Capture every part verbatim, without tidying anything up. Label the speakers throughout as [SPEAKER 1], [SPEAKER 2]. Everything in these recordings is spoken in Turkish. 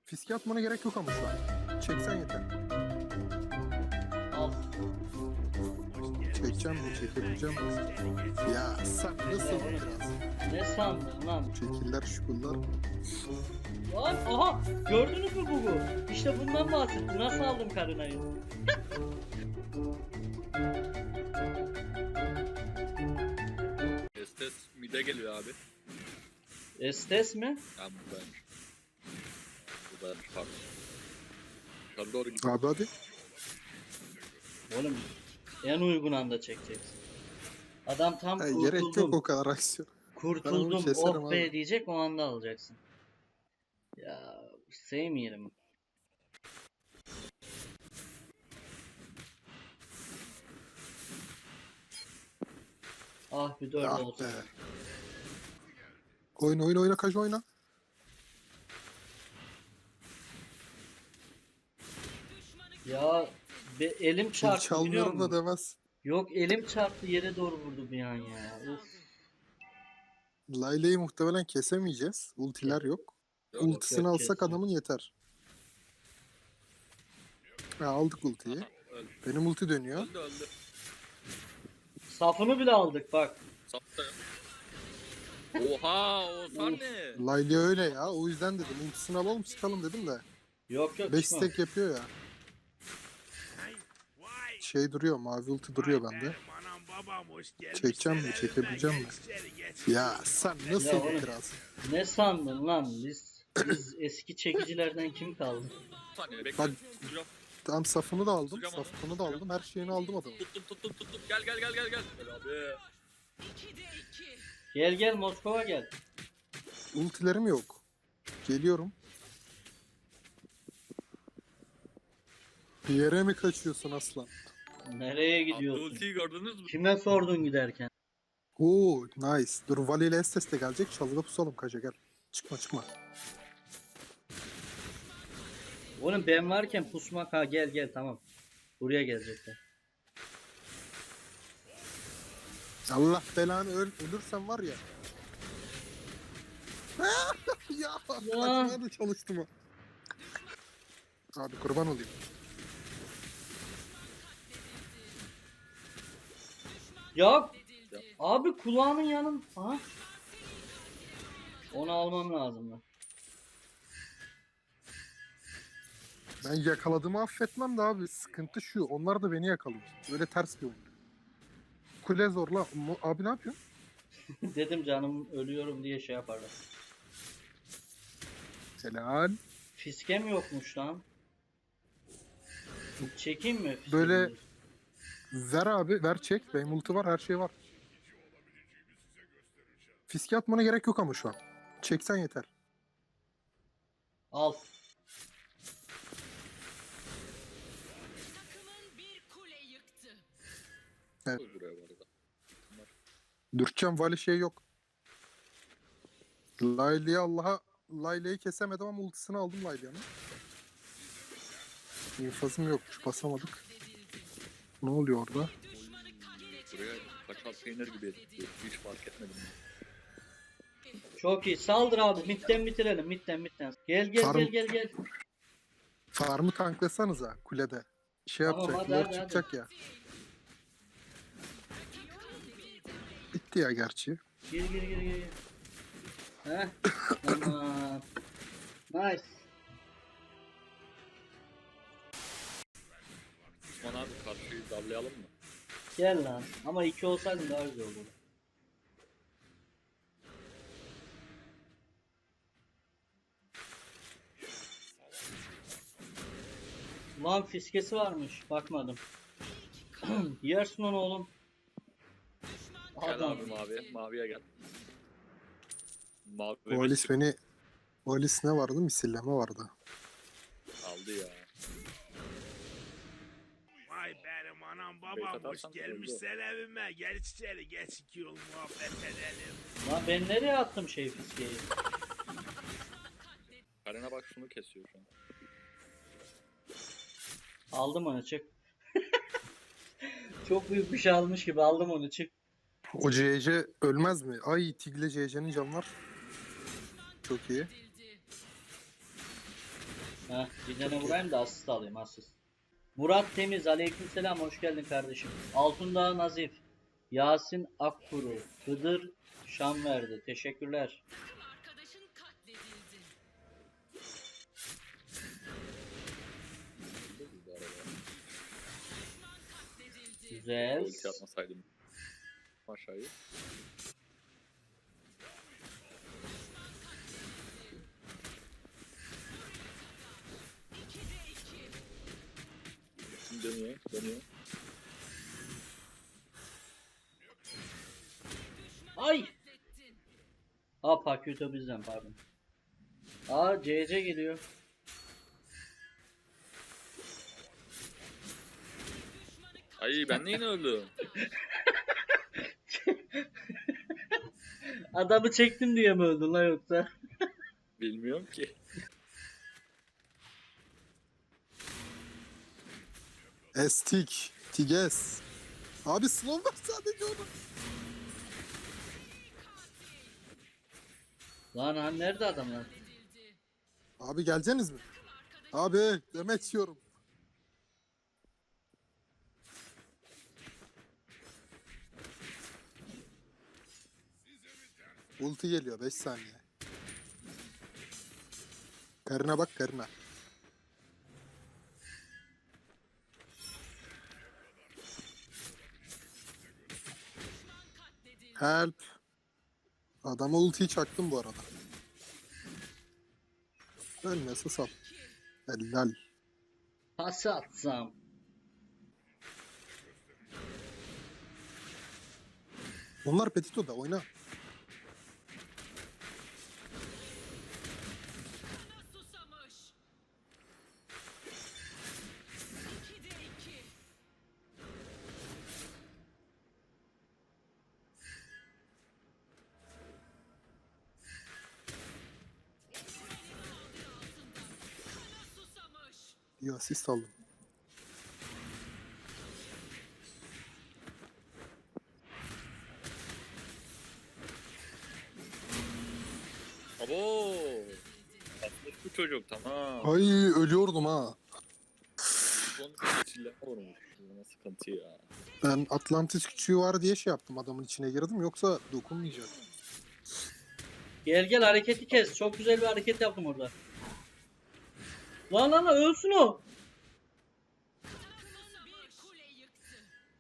[SPEAKER 1] Fiske atmana gerek yok ama şu an. Çeksen yeter.
[SPEAKER 2] Al.
[SPEAKER 1] Çekeceğim mi? Çekebileceğim mi? Ya sen nasıl biraz?
[SPEAKER 2] Ne sandın lan?
[SPEAKER 1] Şekiller, şukullar.
[SPEAKER 2] Lan aha gördünüz mü Gugu? İşte bundan bahsettim. Nasıl aldım karınayı?
[SPEAKER 3] Estes mide geliyor abi.
[SPEAKER 2] Estes mi?
[SPEAKER 3] Ya buradaymış. Buradaymış pardon. Yukarı doğru gidiyor.
[SPEAKER 1] Abi hadi.
[SPEAKER 2] Oğlum en uygun anda çekeceksin. Adam tam
[SPEAKER 1] Ha, gerek yok
[SPEAKER 2] kurtuldum.
[SPEAKER 1] o kadar aksiyon. Ben
[SPEAKER 2] Kurtuldum
[SPEAKER 1] onu keserim
[SPEAKER 2] oh be
[SPEAKER 1] abi.
[SPEAKER 2] diyecek, o anda alacaksın. Ya sevmiyorum. Ah bir dört
[SPEAKER 1] Ah
[SPEAKER 2] olsun.
[SPEAKER 1] be. Oyna oyna oyna kaç oyna.
[SPEAKER 2] Ya be, elim
[SPEAKER 1] Kill
[SPEAKER 2] çarptı biliyor
[SPEAKER 1] çalmıyorum da
[SPEAKER 2] musun?
[SPEAKER 1] demez.
[SPEAKER 2] Yok elim çarptı, yere doğru vurdu bir an ya. Uf.
[SPEAKER 1] Layla'yı muhtemelen kesemeyeceğiz. Ultiler yok.
[SPEAKER 3] Yok,
[SPEAKER 1] Ultisini
[SPEAKER 2] yok,
[SPEAKER 1] alsak
[SPEAKER 2] kesin.
[SPEAKER 1] adamın yeter. Ha, aldık ultiyi.
[SPEAKER 3] Aha, öldü.
[SPEAKER 1] Benim ulti dönüyor.
[SPEAKER 3] Öldü öldü.
[SPEAKER 2] Safını bile aldık bak.
[SPEAKER 3] Sapta. Oha o sen ne?
[SPEAKER 1] Layla öyle ya. O yüzden dedim. Ultisini alalım çıkalım dedim de.
[SPEAKER 2] Yok yok
[SPEAKER 1] beş
[SPEAKER 2] çıkma.
[SPEAKER 1] stack yapıyor ya. Şey duruyor. Mavi ulti duruyor bende. Çekeceğim mi? Çekebileceğim mi? Ya sen nasıl
[SPEAKER 2] Ya oğlum.
[SPEAKER 1] biraz?
[SPEAKER 2] Ne sandın lan? Biz biz eski çekicilerden kim kaldı?
[SPEAKER 3] Bir saniye bekle.
[SPEAKER 1] Bak.
[SPEAKER 3] Tutacağım.
[SPEAKER 1] Tam safını da aldım.
[SPEAKER 3] Tutacağım onu,
[SPEAKER 1] Safını da aldım. Her şeyini aldım adamın.
[SPEAKER 3] Tuttum tuttum tuttum. Gel gel gel gel gel. Gel abi.
[SPEAKER 2] Gel gel Moskova gel.
[SPEAKER 1] Ultilerim yok. Geliyorum. Bir yere mi kaçıyorsun aslan?
[SPEAKER 2] Nereye
[SPEAKER 3] Abi
[SPEAKER 2] gidiyorsun?
[SPEAKER 3] ultiyi gördünüz mü?
[SPEAKER 2] Kime sordun giderken?
[SPEAKER 1] Oo nice. Dur Vali ile Estes de gelecek. Çalıda pusalım kaça gel. Çıkma çıkma.
[SPEAKER 2] Oğlum ben varken pusmak, ha gel gel tamam. Buraya gelecekler.
[SPEAKER 1] Allah belanı öl ölürsen var ya. ya kaçmaya da çalıştım o. Abi kurban olayım.
[SPEAKER 2] Ya abi kulağının yanın. Aha. Onu almam lazım lan.
[SPEAKER 1] Ben yakaladığımı affetmem de abi. Sıkıntı şu. Onlar da beni yakalıyor. Böyle ters bir oyun. Kule zorla. Mo- Abi ne yapıyorsun?
[SPEAKER 2] Dedim canım ölüyorum diye şey yaparlar.
[SPEAKER 1] Helal.
[SPEAKER 2] Fiskem yokmuş lan. Çekeyim mi? fiskemi?
[SPEAKER 1] Böyle ver abi. Ver çek. Benim ulti var. Her şey var. Fiske atmana gerek yok ama şu an. Çeksen yeter.
[SPEAKER 2] Al.
[SPEAKER 4] Takımın bir kule yıktı.
[SPEAKER 3] Koy buraya bu arada. Bunlar.
[SPEAKER 1] Dürtçem Vali şey yok. Layla'yı Allah'a Layla'yı kesemedim ama ultisini aldım Layla'nın. İnfazım yokmuş. Basamadık. Ne oluyor orada?
[SPEAKER 3] Buraya kaçar peynir gibi ediyor. Hiç fark etmedim.
[SPEAKER 2] Çok iyi. Saldır abi. Midden bitirelim. Midden midden. Gel gel
[SPEAKER 1] Farm-
[SPEAKER 2] gel gel gel.
[SPEAKER 1] Farmı tanklasanıza kulede. Şey
[SPEAKER 2] Tamam,
[SPEAKER 1] yapacak,
[SPEAKER 2] hadi,
[SPEAKER 1] lord
[SPEAKER 2] hadi,
[SPEAKER 1] çıkacak ya. Bitti ya gerçi.
[SPEAKER 2] Gir gir gir gir. Heh. Tamam. Nice.
[SPEAKER 3] Osman abi karşıyı darlayalım mı?
[SPEAKER 2] Gel lan. Ama iki olsaydın daha güzel olurdu. Lan fiskesi varmış. Bakmadım. Yersin onu oğlum.
[SPEAKER 3] Gel
[SPEAKER 2] Adam.
[SPEAKER 3] abi mavi. Maviye gel. Mavi
[SPEAKER 1] Valis beni... Valis ne vardı? Misilleme vardı.
[SPEAKER 3] aldı ya.
[SPEAKER 5] Vay benim anam
[SPEAKER 3] Beyt
[SPEAKER 5] babam hoş
[SPEAKER 3] atarsan
[SPEAKER 5] gelmişler evime. Gel içeri geç iki yol muhabbet edelim.
[SPEAKER 2] Lan ben nereye attım şey fiskeyi?
[SPEAKER 3] Karena bak şunu kesiyor şu an.
[SPEAKER 2] Aldım onu, çık. Çok büyük bir şey almış gibi aldım onu, çık.
[SPEAKER 1] O C C ölmez mi? Ay Tigle C C'nin canı var. Çok iyi.
[SPEAKER 2] Heh, bir tane vurayım da asist alayım asist. Murat Temiz, aleykümselam, hoş geldin kardeşim. Altındağ Nazif, Yasin Akkuru, Hıdır Şamverdi. Teşekkürler.
[SPEAKER 4] Arkadaşın katledildi.
[SPEAKER 3] Bu arada.
[SPEAKER 4] Düşman katledildi.
[SPEAKER 2] Güzel.
[SPEAKER 3] Ulti atmasaydım. Aşağıya.
[SPEAKER 4] ikide iki.
[SPEAKER 3] Şimdi dönüyor. Dönüyor.
[SPEAKER 2] Ay!
[SPEAKER 4] Katlettin.
[SPEAKER 2] Aa Pakyuto bizden pardon. Aa C C geliyor.
[SPEAKER 3] Ay ben de yine öldüm.
[SPEAKER 2] Adamı çektim diye mi öldün la yoksa?
[SPEAKER 3] Bilmiyorum ki.
[SPEAKER 1] Estik. Tiges. Abi slow var sadece onu.
[SPEAKER 2] Lan han nerede adamlar?
[SPEAKER 4] Katledildi.
[SPEAKER 1] Abi geleceksiniz mi? Abi demet yiyorum. Ulti geliyor beş saniye. Karına bak karına.
[SPEAKER 4] Katledildi.
[SPEAKER 1] Help. Adama ultiyi çaktım bu arada. Ölmese sal. Helal.
[SPEAKER 2] Pas atsam.
[SPEAKER 1] Onlar Petito'da oyna.
[SPEAKER 4] Kana susamış. ikide iki. Kana susamış.
[SPEAKER 1] Bir asist aldım.
[SPEAKER 3] Abo. Atmış bu çocuk tamam.
[SPEAKER 1] Ay ölüyordum ha.
[SPEAKER 3] Son çile vurmuş. Buna sıkıntı ya.
[SPEAKER 1] Ben Atlantis küçüğü var diye şey yaptım, adamın içine girdim, yoksa dokunmayacak.
[SPEAKER 2] Gel gel hareketi kes. Çok güzel bir hareket yaptım orada. Lan lan lan ölsün o.
[SPEAKER 4] Bir kule yıktı.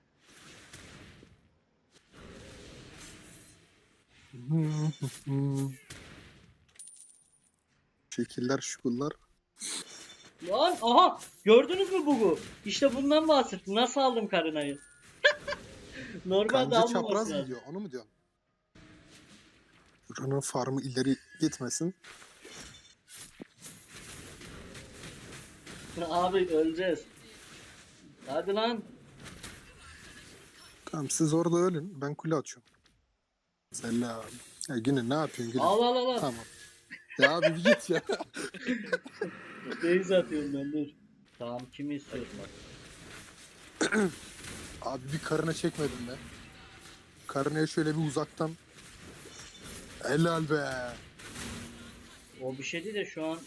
[SPEAKER 1] Şekiller şukullar.
[SPEAKER 2] Lan aha gördünüz mü bugu? İşte bundan bahsettim. Nasıl aldım karınayı? Normalde
[SPEAKER 1] Kanca
[SPEAKER 2] almaması
[SPEAKER 1] çapraz
[SPEAKER 2] lazım.
[SPEAKER 1] gidiyor, onu mu diyorsun? Buranın farmı ileri gitmesin.
[SPEAKER 2] Abi öleceğiz. Hadi lan.
[SPEAKER 1] Tamam siz orada ölün, ben kule açıyorum. Selam. Ya Günü ne yapıyorsun Günü?
[SPEAKER 2] Al al al. al.
[SPEAKER 1] Tamam. Ya abi bir git ya.
[SPEAKER 2] Beyz atıyorum ben dur. Tamam kimi istiyorsun?
[SPEAKER 1] Abi bir karına çekmedim be. Karınaya şöyle bir uzaktan. Helal be.
[SPEAKER 2] O bir şey değil de şu an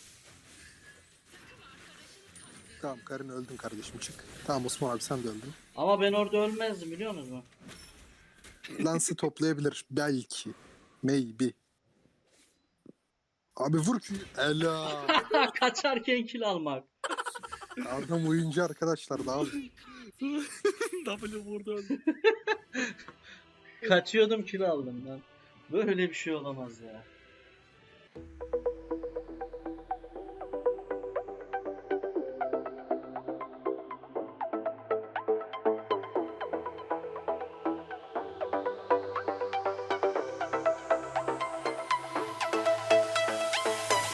[SPEAKER 1] Tamam karın öldün kardeşim, çık. Tamam Osman abi sen de öldün.
[SPEAKER 2] ama ben orada ölmezdim biliyor musunuz?
[SPEAKER 1] Lance'ı toplayabilir belki. Maybe. Abi vur ki. Helal.
[SPEAKER 2] Kaçarken kill almak.
[SPEAKER 1] Adam oyuncu arkadaşlar da abi.
[SPEAKER 3] W vurdu öldü.
[SPEAKER 2] Kaçıyordum kill aldım lan. Böyle bir şey olamaz ya.